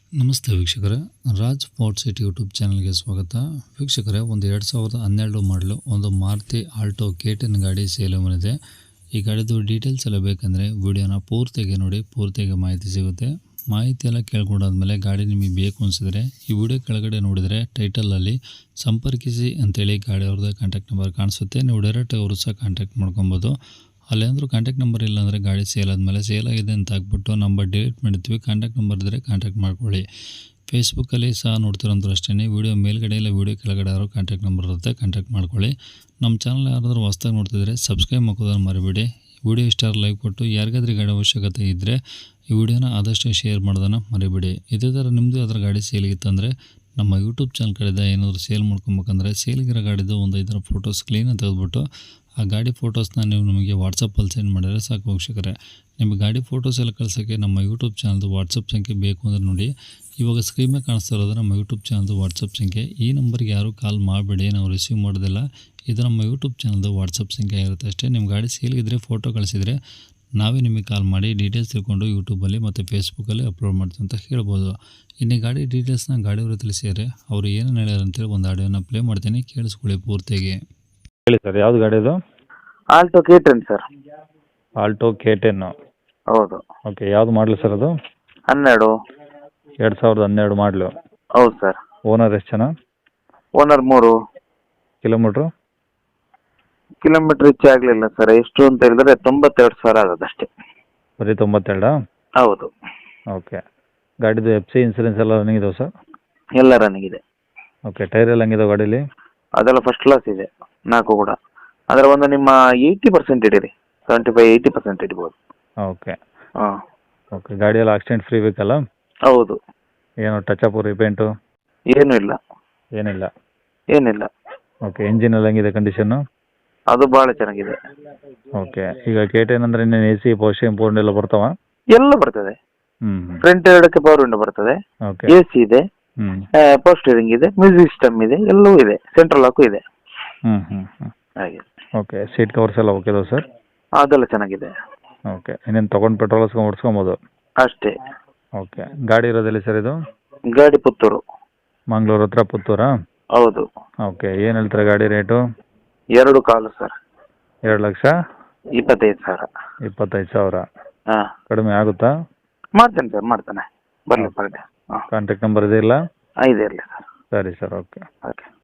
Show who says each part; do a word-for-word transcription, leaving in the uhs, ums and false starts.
Speaker 1: ನಮಸ್ತೆ ವೀಕ್ಷಕರೇ, Raj fort city YouTube ಚಾನಲ್ಗೆ ಸ್ವಾಗತ. ವೀಕ್ಷಕರೇ, ಒಂದು ಎರಡು ಸಾವಿರದ ಹನ್ನೆರಡು ಮಾಡಲು ಒಂದು ಮಾರುತಿ ಆಲ್ಟೋ ಕೆ ಟೆನ್ ಗಾಡಿ ಸೇಲ್ ಬಂದಿದೆ. ಈ ಗಾಡಿದು ಡೀಟೇಲ್ಸ್ ಎಲ್ಲ ಬೇಕಂದರೆ ವಿಡಿಯೋನ ಪೂರ್ತಿಯಾಗಿ ನೋಡಿ, ಪೂರ್ತಿಯಾಗಿ ಮಾಹಿತಿ ಸಿಗುತ್ತೆ. ಮಾಹಿತಿ ಎಲ್ಲ ಕೇಳ್ಕೊಂಡಾದ್ಮೇಲೆ ಗಾಡಿ ನಿಮಗೆ ಬೇಕು ಅನಿಸಿದ್ರೆ ಈ ವಿಡಿಯೋ ಕೆಳಗಡೆ ನೋಡಿದರೆ ಟೈಟಲಲ್ಲಿ ಸಂಪರ್ಕಿಸಿ ಅಂತೇಳಿ ಗಾಡಿ ಅವ್ರದ್ದು ಕಾಂಟ್ಯಾಕ್ಟ್ ನಂಬರ್ ಕಾಣಿಸುತ್ತೆ. ನೀವು ಡೈರೆಕ್ಟ್ ಅವರು ಸಹ ಕಾಂಟ್ಯಾಕ್ಟ್ ಮಾಡ್ಕೊಬೋದು. ಅಲ್ಲೇಂದ್ರೂ ಕಾಂಟ್ಯಾಕ್ಟ್ ನಂಬರ್ ಇಲ್ಲ ಅಂದರೆ ಗಾಡಿ ಸೇಲ್ ಆದಮೇಲೆ ಸೇಲ್ ಆಗಿದೆ ಅಂತ ಹಾಕ್ಬಿಟ್ಟು ನಂಬರ್ ಡಿಲೀಟ್ ಮಾಡಿರ್ತೀವಿ. ಕಾಂಟ್ಯಾಕ್ಟ್ ನಂಬರ್ ಇದ್ದರೆ ಕಾಂಟ್ಯಾಕ್ಟ್ ಮಾಡ್ಕೊಳ್ಳಿ. ಫೇಸ್ಬುಕ್ಕಲ್ಲಿ ಸಹ ನೋಡ್ತಿರೋಂಥವ್ರು ಅಷ್ಟೇ, ವೀಡಿಯೋ ಮೇಲ್ಗಡೆ ಇಲ್ಲ ವೀಡಿಯೋ ಕೆಳಗಡೆ ಯಾರೋ ಕಾಂಟ್ಯಾಕ್ಟ್ ನಂಬರ್ ಇರುತ್ತೆ, ಕಾಂಟ್ಯಾಕ್ಟ್ ಮಾಡ್ಕೊಳ್ಳಿ. ನಮ್ಮ ಚಾನಲ್ ಯಾರಾದರೂ ಹೊಸ್ದಾಗಿ ನೋಡ್ತಿದ್ರೆ ಸಬ್ಸ್ಕ್ರೈಬ್ ಮಾಡೋದನ್ನು ಮರಿಬೇಡಿ. ವಿಡಿಯೋ ಇಷ್ಟ ಲೈಕ್ ಕೊಟ್ಟು ಯಾರಿಗಾದ್ರೂ ಗಾಡಿ ಅವಶ್ಯಕತೆ ಇದ್ದರೆ ಈ ವಿಡಿಯೋನ ಆದಷ್ಟು ಶೇರ್ ಮಾಡೋದನ್ನು ಮರಿಬೇಡಿ. ಇದೇ ಥರ ನಿಮ್ಮದು ಅದರ ಗಾಡಿ ಸೇಲಿಗಿತ್ತಂದರೆ ನಮ್ಮ ಯೂಟ್ಯೂಬ್ ಚಾನಲ್ ಕಡೆಯಿಂದ ಏನಾದರೂ ಸೇಲ್ ಮಾಡ್ಕೊಬೇಕಂದ್ರೆ ಸೇಲಿಗಿರೋ ಗಾಡಿದು ಒಂದು ಐದರ ಫೋಟೋಸ್ ಕ್ಲೀನಾಗಿ ತೆಗೆದುಬಿಟ್ಟು ಆ ಗಾಡಿ ಫೋಟೋಸ್ನ ನೀವು ನಮಗೆ ವಾಟ್ಸಪ್ಪಲ್ಲಿ ಸೆಂಡ್ ಮಾಡಿದರೆ ಸಾಕು ವೀಕ್ಷಕರೇ. ನಿಮಗೆ ಗಾಡಿ ಫೋಟೋಸ್ ಎಲ್ಲ ಕಳ್ಸೋಕ್ಕೆ ನಮ್ಮ ಯೂಟ್ಯೂಬ್ ಚಾನಲ್ದು ವಾಟ್ಸಪ್ ಸಂಖ್ಯೆ ಬೇಕು ಅಂದರೆ ನೋಡಿ, ಇವಾಗ ಸ್ಕ್ರೀನ್ ಮೇಲೆ ಕಾಣಿಸ್ತಾ ಇರೋದು ನಮ್ಮ ಯೂಟ್ಯೂಬ್ ಚಾನಲ್ದು ವಾಟ್ಸಪ್ ಸಂಖ್ಯೆ. ಈ ನಂಬರ್ಗೆ ಯಾರೂ ಕಾಲ್ ಮಾಡಬೇಡಿ, ನಾವು ರಿಸೀವ್ ಮಾಡೋದಿಲ್ಲ. ಇದು ನಮ್ಮ ಯೂಟ್ಯೂಬ್ ಚಾನಲ್ದು ವಾಟ್ಸಪ್ ಸಂಖ್ಯೆ ಇರುತ್ತೆ ಅಷ್ಟೇ. ನಿಮ್ಮ ಗಾಡಿ ಸೇಲ್ಗಿದ್ರೆ ಫೋಟೋ ಕಳಿಸಿದರೆ ನಾವೇ ನಿಮಗೆ ಕಾಲ್ ಮಾಡಿ ಡೀಟೇಲ್ಸ್ ತಿಳ್ಕೊಂಡು ಯೂಟ್ಯೂಬಲ್ಲಿ ಮತ್ತು ಫೇಸ್ಬುಕ್ಕಲ್ಲಿ ಅಪ್ಲೋಡ್ ಮಾಡ್ತೀವಿ ಅಂತ ಹೇಳ್ಬೋದು. ಇನ್ನು ಗಾಡಿ ಡೀಟೇಲ್ಸ್ನ ಗಾಡಿಯವರು ತಿಳಿಸಿದರೆ ಅವರು ಏನೇನು ಹೇಳ್ಯಾರ ಅಂತೇಳಿ ಒಂದು ಆಡಿಯೋನ ಪ್ಲೇ ಮಾಡ್ತೀನಿ, ಕೇಳಿಸ್ಕೊಳ್ಳಿ ಪೂರ್ತಿಯಾಗಿ.
Speaker 2: ಹೇಳಿ ಸರ್, ಯಾವ್ದು ಗಾಡಿ ಇದು?
Speaker 3: Alto K ten sir.
Speaker 2: Alto K ten.
Speaker 3: ಹೌದು.
Speaker 2: ಓಕೆ, ಯಾವ್ದು ಮಾಡಲು ಸರ್ ಅದು?
Speaker 3: ಹನ್ನೆರಡು.
Speaker 2: ಎರಡು ಸಾವಿರದ ಹನ್ನೆರಡು ಮಾಡಲು.
Speaker 3: ಹೌದು ಸರ್.
Speaker 2: ಓನರ್ ಎಷ್ಟು ಜನ?
Speaker 3: ಓನರ್ ಮೂರು.
Speaker 2: ಕಿಲೋಮೀಟ್ರು?
Speaker 3: ಕಿಲೋಮೀಟ್ರ್ ಹೆಚ್ಚು ಆಗಲಿಲ್ಲ ಸರ್. ಎಷ್ಟು ಅಂತ ಹೇಳಿದ್ರೆ ತೊಂಬತ್ತೆರಡು ಸಾವಿರ ಆಗೋದಷ್ಟೇ.
Speaker 2: ಬರೀ ತೊಂಬತ್ತೆರಡಾ?
Speaker 3: ಹೌದು.
Speaker 2: ಓಕೆ. ಗಾಡಿದು ಎಫ್ ಸಿ ಇನ್ಸೂರೆನ್ಸ್ ಎಲ್ಲ ರನ್ನಿಂಗ್ ಇದಾವೆ ಸರ್?
Speaker 3: ಎಲ್ಲ ರನ್ನಿಂಗ್ ಇದೆ.
Speaker 2: ಓಕೆ. ಟೈರ್ ಎಲ್ಲ ಹಂಗಿದಾವೆ ಗಾಡೀಲಿ?
Speaker 3: ಅದೆಲ್ಲ ಫಸ್ಟ್ ಕ್ಲಾಸ್ ಇದೆ, ನಾಲ್ಕು ಕೂಡ. ಅದರ ಒಂದು ನಿಮ್ಮ ಏಯ್ಟಿ ಪರ್ಸೆಂಟ್ ಇಡೀರಿ, ಸೆವೆಂಟಿ ಫೈವ್ ಏಯ್ಟಿ ಪರ್ಸೆಂಟ್ ಇಡ್ಬೋದು.
Speaker 2: ಓಕೆ.
Speaker 3: ಹಾಂ.
Speaker 2: ಓಕೆ. ಗಾಡಿ ಎಲ್ಲ ಆಕ್ಸಿಡೆಂಟ್ ಫ್ರೀ ಬೇಕಲ್ಲ?
Speaker 3: ಹೌದು.
Speaker 2: ಏನು ಟಚಪ್ ರಿಪೇಂಟು
Speaker 3: ಏನೂ ಇಲ್ಲ.
Speaker 2: ಏನಿಲ್ಲ?
Speaker 3: ಏನಿಲ್ಲ.
Speaker 2: ಓಕೆ. ಇಂಜಿನ್ ಎಲ್ಲ ಹೆಂಗಿದೆ ಕಂಡೀಷನ್ನು?
Speaker 3: ಅದು ಭಾಳ ಚೆನ್ನಾಗಿದೆ.
Speaker 2: ಓಕೆ. ಈಗ ಕೆ ಟೆನ್ ಅಂದರೆ ಇನ್ನೇನು ಎ ಸಿ ಪೋಸ್ಟ್ ಪೋರ್ಡ್ ಎಲ್ಲ ಬರ್ತಾವ?
Speaker 3: ಎಲ್ಲ ಬರ್ತದೆ.
Speaker 2: ಹ್ಞೂ.
Speaker 3: ಫ್ರಂಟ್ ಎರಡಕ್ಕೆ ಪವರ್ ವಿಂಡೋ ಬರ್ತದೆ.
Speaker 2: ಓಕೆ.
Speaker 3: ಎ ಸಿ ಇದೆ,
Speaker 2: ಹ್ಞೂ
Speaker 3: ಪವರ್ ಸ್ಟೀರಿಂಗ್ ಇದೆ, ಮ್ಯೂಸಿಕ್ ಸಿಸ್ಟಮ್ ಇದೆ, ಎಲ್ಲವೂ ಇದೆ, ಸೆಂಟ್ರಲ್ ಲಾಕು ಇದೆ.
Speaker 2: ಹ್ಞೂ ಹ್ಞೂ ಹ್ಞೂ
Speaker 3: ಹಾಗೆ.
Speaker 2: ಓಕೆ. ಸೀಟ್ ಕವರ್ಸ್ ಎಲ್ಲ ಓಕೆ ಇದಾವೆ ಸರ್?
Speaker 3: ಅದೆಲ್ಲ ಚೆನ್ನಾಗಿದೆ.
Speaker 2: ಓಕೆ. ಇನ್ನೇನು ತೊಗೊಂಡು ಪೆಟ್ರೋಲ್ ಹಸ್ಕೊಂಡು ಓಡಿಸ್ಕೊಬೋದು?
Speaker 3: ಅಷ್ಟೇ.
Speaker 2: ಓಕೆ. ಗಾಡಿ ಇರೋದೆಲ್ಲಿ ಸರ್ ಇದು?
Speaker 3: ಗಾಡಿ ಪುತ್ತೂರು.
Speaker 2: ಮಂಗಳೂರು ಹತ್ರ ಪುತ್ತೂರಾ?
Speaker 3: ಹೌದು.
Speaker 2: ಓಕೆ. ಏನು ಹೇಳ್ತಾರೆ ಗಾಡಿ ರೇಟು?
Speaker 3: ಎರಡು ಕಾಲು ಸರ್.
Speaker 2: ಎರಡು ಲಕ್ಷ
Speaker 3: ಇಪ್ಪತ್ತೈದು ಸಾವಿರ.
Speaker 2: ಇಪ್ಪತ್ತೈದು ಸಾವಿರ
Speaker 3: ಹಾಂ.
Speaker 2: ಕಡಿಮೆ ಆಗುತ್ತಾ?
Speaker 3: ಮಾಡ್ತೇನೆ ಸರ್, ಮಾಡ್ತೇನೆ. ಬರಲಿ ಬರಲಿ. ಹಾಂ.
Speaker 2: ಕಾಂಟ್ಯಾಕ್ಟ್ ನಂಬರ್ ಇದೆ ಇಲ್ಲ?
Speaker 3: ಇದೆ ಇರಲಿ ಸರ್.
Speaker 2: ಸರಿ ಸರ್. ಓಕೆ.
Speaker 3: ಓಕೆ.